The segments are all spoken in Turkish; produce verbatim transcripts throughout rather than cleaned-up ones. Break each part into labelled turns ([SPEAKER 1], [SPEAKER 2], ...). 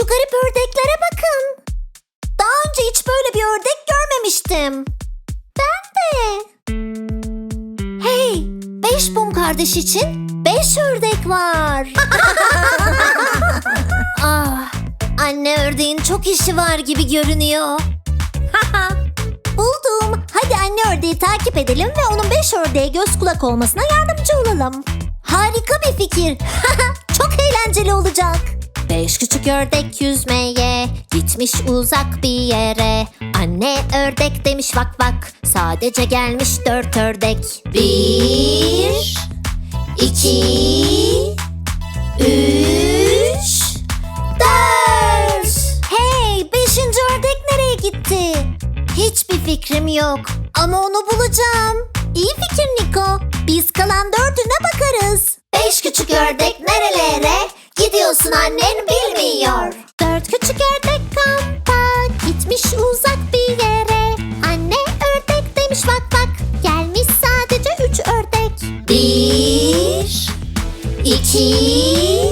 [SPEAKER 1] Şu garip ördeklere bakın. Daha önce hiç böyle bir ördek görmemiştim. Ben de. Hey, beş Bum kardeş için beş ördek var. Ah, anne ördeğin çok işi var gibi görünüyor. Buldum. Hadi anne ördeği takip edelim ve onun beş ördeğe göz kulak olmasına yardımcı olalım. Harika bir fikir. Çok eğlenceli olacak. Beş küçük ördek yüzmeye gitmiş uzak bir yere. Anne ördek demiş vak vak, sadece gelmiş dört ördek. Bir, iki, üç, dört. Hey, beşinci ördek nereye gitti? Hiçbir fikrim yok ama onu bulacağım. İyi fikir Niko. Biz kalan dördüne bakarız. Beş küçük ördek nerelere gidiyorsun annen bilmiyor. Dört küçük ördek kampa gitmiş uzak bir yere. Anne ördek demiş bak bak, gelmiş sadece üç ördek. Bir, iki,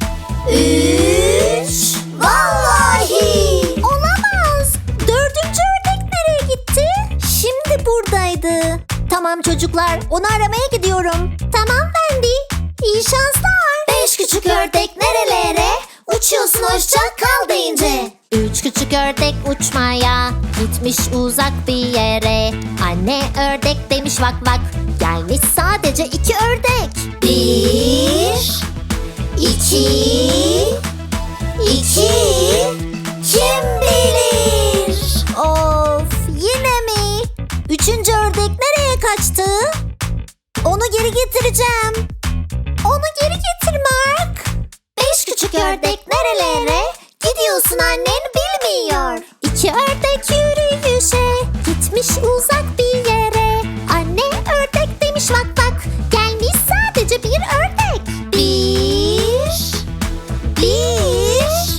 [SPEAKER 1] üç. Vallahi olamaz. Dördüncü ördek nereye gitti? Şimdi buradaydı. Tamam çocuklar, onu aramaya gidiyorum. Tamam Wendy. İyi şanslar. Beş küçük ördek nerelere uçuyorsun hoşça kal deyince. Üç küçük ördek uçmaya gitmiş uzak bir yere. Anne ördek demiş vak vak, gelmiş sadece iki ördek. Bir, iki, iki. Kim bilir? Of, yine mi? Üçüncü ördek nereye kaçtı? Onu geri getireceğim. Onu geri getir Mark. Beş küçük ördek nerelere gidiyorsun annen bilmiyor. İki ördek yürüyüşe gitmiş uzak bir yere. Anne ördek demiş vak vak, gelmiş sadece bir ördek. Bir, bir,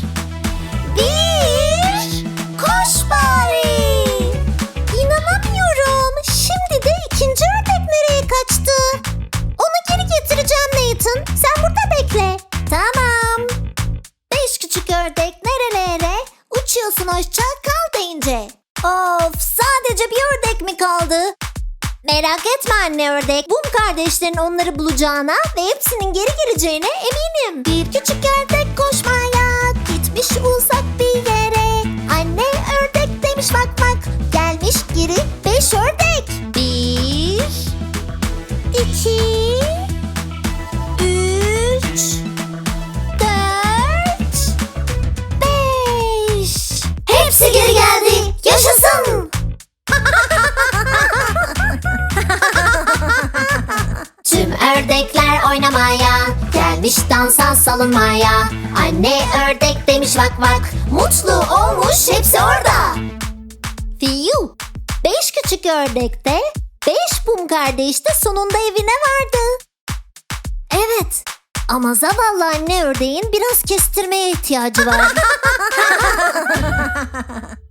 [SPEAKER 1] bir. Koş bari. İnanamıyorum. Şimdi de ikinci ördek nereye kaçtı? Onu geri getireceğim Nathan. Sen burada bekle. Tamam. Beş küçük ördek nerelere uçuyorsun hoşça kal deyince. Of, sadece bir ördek mi kaldı? Merak etme anne ördek. Bum kardeşlerin onları bulacağına ve hepsinin geri geleceğine eminim. Bir küçük ördek koşmaya gitmiş uzak bir yere. Anne ördek demiş bak bak, gelmiş geri beş ördek. Bir, iki, üç, dört, beş. Hepsi geri geldi. Yaşasın. Tüm ördekler oynamaya gelmiş dansa salınmaya. Anne ördek demiş vak vak, mutlu olmuş hepsi orada. Fiyu. Beş küçük ördekte beş Bum kardeş de sonunda evine vardı. Evet, ama zavallı anne ördeğin biraz kestirmeye ihtiyacı var.